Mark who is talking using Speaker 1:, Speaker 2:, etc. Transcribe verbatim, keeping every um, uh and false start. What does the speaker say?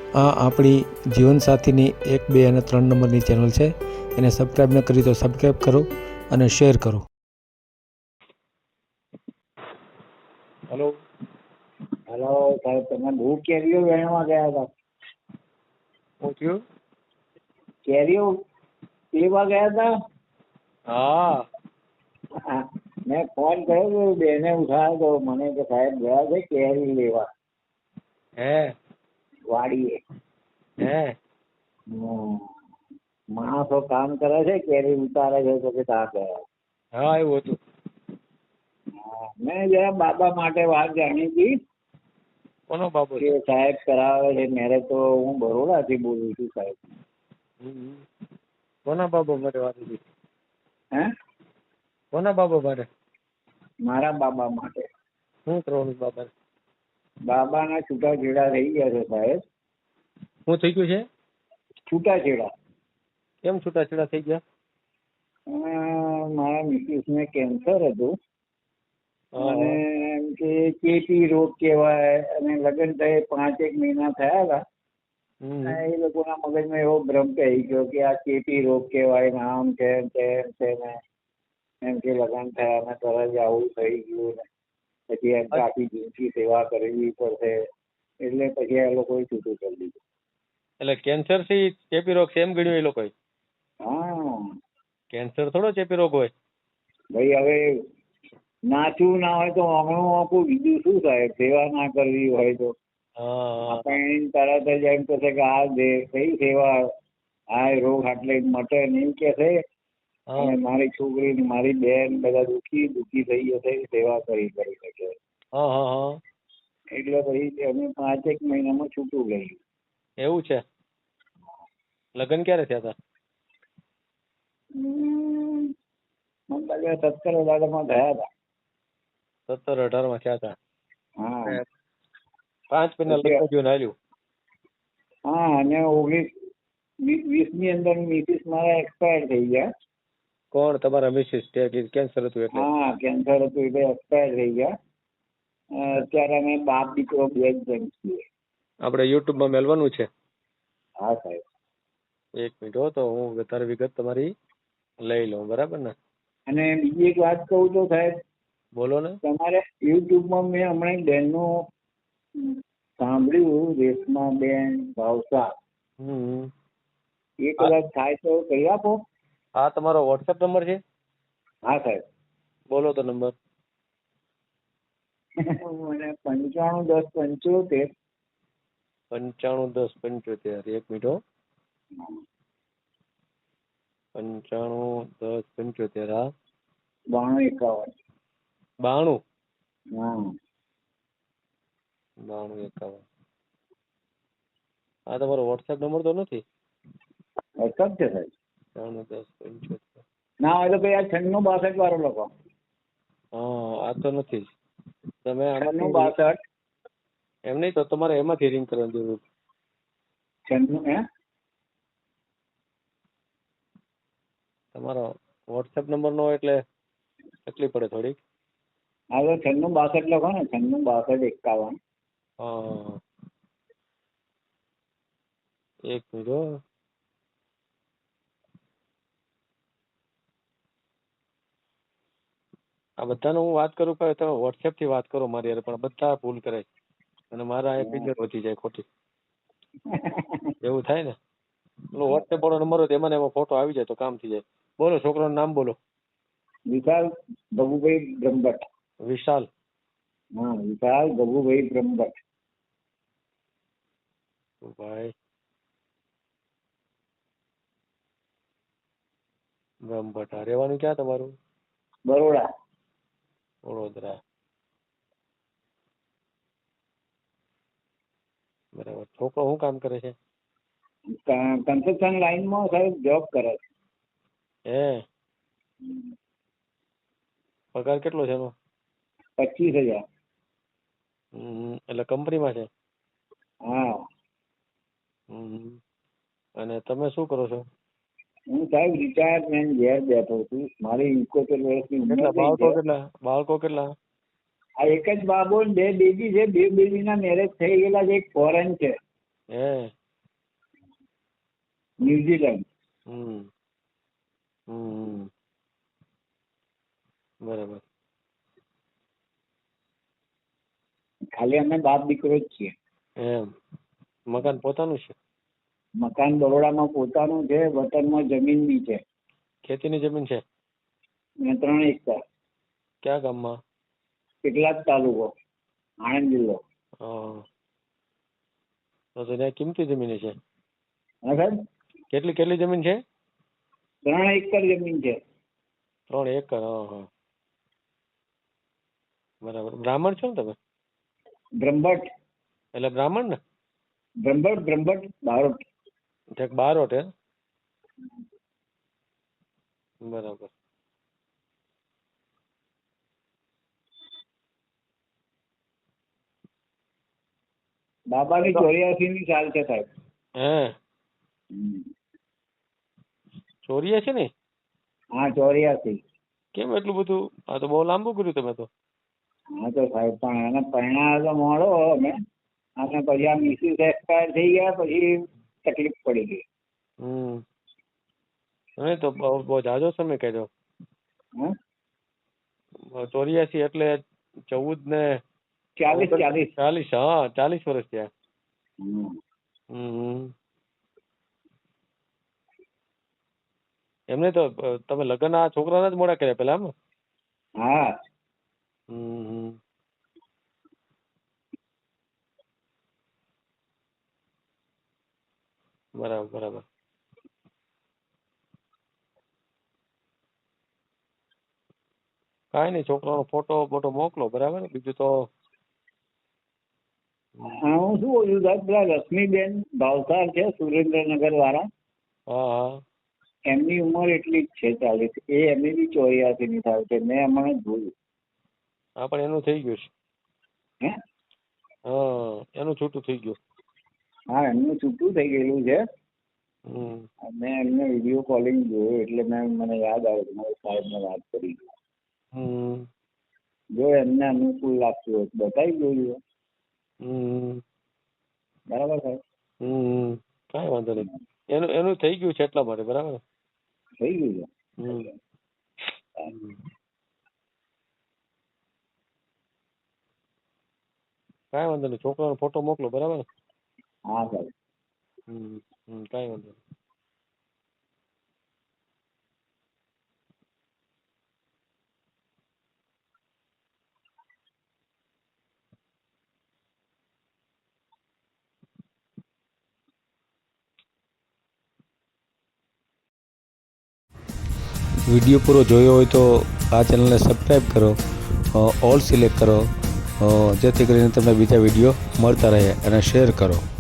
Speaker 1: આ આપણી જીવનસાથીની એક બે અને ત્રણ નંબરની ચેનલ છે. એને સબસ્ક્રાઈબ ન કરી તો સબસ્ક્રાઈબ કરો અને શેર કરો.
Speaker 2: હલો
Speaker 3: હલો સાહેબ, તમે બહુ કેરીઓ વેણવા ગયા હતા.
Speaker 2: શું થયું?
Speaker 3: કેરીઓ લેવા ગયા હતા.
Speaker 2: હા
Speaker 3: હા, મેં ફોન કર્યો તો બેને ઉઠાવ્યો તો મને કે સાહેબ ગયા છે કેરી લેવા
Speaker 2: હે
Speaker 3: વાડીએ.
Speaker 2: હે
Speaker 3: હમ. માણસો કામ કરે છે, કેરી ઉતારે છે તો કે ત્યાં ગયા.
Speaker 2: હા એવું હતું.
Speaker 3: હા, મેં જરા બાબા માટે વાત જાણી હતી
Speaker 2: કોનો બાબો
Speaker 3: કે
Speaker 2: છે?
Speaker 3: સાહેબ કરાવે છે મેરેજ. તો હું બરોડાથી બોલું છું સાહેબ.
Speaker 2: હમ. કોના બાબો માટે વાત હતી?
Speaker 3: હે
Speaker 2: કોના બાબો માટે?
Speaker 3: મારા બાબા માટે.
Speaker 2: શું કરવાનું બાબા?
Speaker 3: બાબાના છૂટાછેડા થઈ ગયા છે સાહેબ.
Speaker 2: શું થઈ ગયું છે?
Speaker 3: છૂટાછેડા.
Speaker 2: કેમ છૂટાછેડા થઈ ગયા?
Speaker 3: અ, મારા મિસિસને કેન્સર હતું
Speaker 2: હા,
Speaker 3: અને
Speaker 2: હા.
Speaker 3: એમ કે ચેપી રોગ કહેવાય અને લગ્ન થયે પાંચેક મહિના થયા હતા.
Speaker 2: હમ.
Speaker 3: અને એ લોકોના મગજમાં એવો ભ્રમ થઈ ગયો કે આ ચેપી રોગ કહેવાય ને આમ છે ને તેમ છે ને એમ કે લગ્ન થયા ને તરત જ આવું થઈ ગયું ને પછી એમ કે આખી જિંદગી સેવા કરવી પડશે. એટલે પછી આ લોકોએ છૂટું કરી દીધું.
Speaker 2: એટલે કેન્સર થી ચેપી રોગ છે એમ ગણ્યું એ લોકોએ?
Speaker 3: હા
Speaker 2: કેન્સર થોડો ચેપી રોગ હોય.
Speaker 3: ભાઈ, હવે નાચવું ના હોય તો હમણાં આપું બીજું શું સાહેબ? સેવા ના કરવી હોય તો
Speaker 2: હા, હા.
Speaker 3: આપણે તરત જ એમ કહેશે કે આ દે કઈ સેવા, આ રોગ આટલે મટે નહીં કહેશે.
Speaker 2: હા.
Speaker 3: અને મારી છોકરી ને મારી બેન બધા દુઃખી દુઃખી થઈ જશે સેવા કરી કરી શકે.
Speaker 2: હા, હા, હા.
Speaker 3: એટલે પછી અમે પાંચેક મહિનામાં છૂટું ગયું.
Speaker 2: એવું છે? લગ્ન ક્યારે થયા હતા?
Speaker 3: હમ, મને લાગે સત્તર અઢારમાં થયા હતા.
Speaker 2: સત્તર અઢાર માં થયા હતા.
Speaker 3: હા
Speaker 2: અને પાંચ મહિના
Speaker 3: પછી
Speaker 2: લગ્ન થયું હાલ્યું.
Speaker 3: હા, અને ઓગણીસ વીસ ની અંદર મિસિસ મારા એક્સપાયર થઈ ગયા.
Speaker 2: કોણ તમારા મિસિસ? કેન્સર હતું એટલે?
Speaker 3: હા, કેન્સર હતું એટલે એક્સપાયર થઈ ગયા. અ, અત્યારે અમે બાપ દીકરો બે જ જણ છીએ.
Speaker 2: આપણે યુટ્યુબમાં મેલવાનું છે.
Speaker 3: હા સાહેબ.
Speaker 2: એક મિનિટ હો, તો હું વધારે વિગત તમારી લઈ લઉં, બરાબર ને?
Speaker 3: અને બીજી એક વાત કહું તો સાહેબ,
Speaker 2: બોલો ને.
Speaker 3: તમારે યુટ્યુબમાં મેં હમણાં એક બહેનનું સાંભળ્યું, રેશમા બેન ભાવસાર.
Speaker 2: હમ.
Speaker 3: એ કદાચ થાય તો કહી આપો.
Speaker 2: આ તમારો વોટ્સએપ નંબર છે?
Speaker 3: હા સાહેબ.
Speaker 2: બોલો તો નંબર.
Speaker 3: મને પંચાણું દસ પંચોતેર.
Speaker 2: પંચાણું દસ પંચોતેર. એક મિનિટ હો. પંચાણું દસ પંચોતેર. હા,
Speaker 3: બાણું એકાવન.
Speaker 2: બાણું
Speaker 3: હા
Speaker 2: બાણું એકાવન. આ તમારો વોટ્સએપ નંબર તો નથી?
Speaker 3: વોટ્સઅપ છે સાહેબ.
Speaker 2: પંચાણું દસ પંચોતેર.
Speaker 3: ના હોય તો ભાઈ આ છન્નું બાસઠ વાળો લખો.
Speaker 2: હા, આ તો નથી. તમે
Speaker 3: છન્નું
Speaker 2: આમાંથી
Speaker 3: બાસઠ.
Speaker 2: એમ નહીં તો તમારે એમાંથી રિંગ કરવાની જરૂર.
Speaker 3: છન્નું હે
Speaker 2: તમારો વોટ્સએપ નંબર નો હોય એટલે તકલીફ પડે થોડીક.
Speaker 3: હા તો છન્નું બાસઠ લખો ને. છન્નું બાસઠ એકાવન.
Speaker 2: હા, એક મિનિટ હો. આ બધાનો હું વાત કરું પણ તમે વોટ્સએપ થી વાત કરો મારી યાર, પણ બધા ભૂલ કરે અને મારા એ ફિગર વધી જાય ખોટી. એવું થાય ને. પેલો વોટ્સએપ વાળો નંબર હોય એમાં ને એમાં ફોટો આવી જાય તો કામ થઈ જાય. બોલો, છોકરાનું નામ બોલો.
Speaker 3: વિશાલ ભગુભાઈ બ્રહ્મભટ્ટ.
Speaker 2: વિશાલ.
Speaker 3: હા, વિશાલ ભગુભાઈ બ્રહ્મભટ્ટ.
Speaker 2: ભાઈ બ્રહ્મભટ્ટ. રહેવાનું ક્યાં તમારું?
Speaker 3: બરોડા.
Speaker 2: વડોદરા. બરાબર. છોકરો શું કામ કરે છે?
Speaker 3: કન્સ્ટ્રક્શન લાઈનમાં સાહેબ જોબ કરે છે.
Speaker 2: હે, પગાર કેટલો છે એનો?
Speaker 3: પચીસ હજાર.
Speaker 2: હમ, એટલે કંપનીમાં છે?
Speaker 3: હા.
Speaker 2: હમ. અને તમે શું કરો છો?
Speaker 3: હું સાહેબ રિટાયરમેન્ટ ઘેર બેઠો છું. મારી ઇકોતેર વર્ષની ઉંમર
Speaker 2: કેટલા
Speaker 3: થઈ
Speaker 2: બાળકો?
Speaker 3: છે.
Speaker 2: કેટલા બાળકો? કેટલા?
Speaker 3: આ એક જ બાબો ને બે બેબી છે. બે બેબીના મેરેજ થઈ ગયેલા છે. એક ફોરેન છે.
Speaker 2: હે,
Speaker 3: ન્યુઝીલેન્ડ.
Speaker 2: હમ હમ બરાબર.
Speaker 3: ખાલી અમે બાપ દીકરો જ છીએ.
Speaker 2: એમ મકાન પોતાનું છે?
Speaker 3: મકાન બરોડામાં પોતાનું છે, વતનમાં જમીન બી છે.
Speaker 2: ખેતીની જમીન છે?
Speaker 3: અને ત્રણ એકર.
Speaker 2: કયા ગામમાં?
Speaker 3: કેટલાક તાલુકો, આણંદ જિલ્લો.
Speaker 2: હા તો તો ત્યાં કિંમતી જમીન છે.
Speaker 3: હા સાહેબ,
Speaker 2: કેટલી કેટલી જમીન છે?
Speaker 3: ત્રણ એકર જમીન છે.
Speaker 2: ત્રણ એકર. હા હા બરાબર. બ્રાહ્મણ છો ને તમે?
Speaker 3: બ્રહ્મભટ્ટ.
Speaker 2: એટલે બ્રાહ્મણ ને?
Speaker 3: બ્રહ્મભટ્ટ બ્રહ્મભટ્ટ બારોટ.
Speaker 2: ઠેક બારોટ હે? બરાબર.
Speaker 3: બાબાની ચોર્યાસી ની સાલ છે સાહેબ.
Speaker 2: હે ચોરીયા છે ને?
Speaker 3: હા ચોર્યાસી.
Speaker 2: કેમ એટલું બધું? આ તો બહુ લાંબુ કર્યું તમે તો.
Speaker 3: હા તો સાહેબ પણ એને પરિણામ તો મોડો અમે, અને પછી આ મિસિસ એક્સપાયર થઈ ગયા પછી તકલીફ પડી ગઈ.
Speaker 2: હમ નહીં તો બહુ બહુ ઝાઝો સમય કર્યો.
Speaker 3: હા
Speaker 2: ચોર્યાસી એટલે ચૌદ ને
Speaker 3: ચાલીસ ચાલીસ.
Speaker 2: ચાલીસ. હા ચાલીસ વર્ષ થયા.
Speaker 3: હમ.
Speaker 2: હમ એમને તો તમે લગ્ન આ છોકરાના જ મોડા કર્યા પેલા એમ?
Speaker 3: હા
Speaker 2: હમ બરાબર બરાબર. કાંઈ નહીં, છોકરાનો ફોટો ફોટો મોકલો બરાબર. બીજું તો
Speaker 3: હા હું શું બોલું સાહેબ, પેલા રશ્મિબેન ભાવસાર છે સુરેન્દ્રનગર વાળા,
Speaker 2: હા હા
Speaker 3: એમની ઉંમર એટલી જ છે ચાલીસ. એ એમની બી ચોર્યાસી ની થાય છે. મેં હમણાં જ જોયું.
Speaker 2: હા પણ એનું થઈ ગયું છે.
Speaker 3: હે
Speaker 2: હા એનું છૂટું થઈ ગયું.
Speaker 3: હા એમનું છૂટું થઈ ગયેલું છે.
Speaker 2: હમ
Speaker 3: મેં એમને વિડીયો કોલિંગ જોયું એટલે મેં મને યાદ આવ્યું કે મારા સાહેબને વાત કરી.
Speaker 2: હમ
Speaker 3: જો એમને અનુકૂળ લાગતું હોય તો બતાવી જોયું.
Speaker 2: હમ
Speaker 3: બરાબર સાહેબ?
Speaker 2: હમ કાંઈ વાંધો નહીં. એનું એનું થઈ ગયું છે એટલા માટે. બરાબર.
Speaker 3: થઈ ગયું
Speaker 2: હમ
Speaker 3: છે.
Speaker 2: કાંઈ વાંધો નહીં. છોકરાનો ફોટો મોકલો બરાબર.
Speaker 3: હા સાહેબ.
Speaker 2: હમ હમ કાંઈ વાંધો નહીં.
Speaker 1: વિડીયો પૂરો જોયો હોય તો આ ચેનલને સબસ્ક્રાઈબ કરો, અ, ઓલ સિલેક્ટ કરો, અ, જેથી કરીને તમને બીજા વિડીયો મળતા રહે, અને શેર કરો.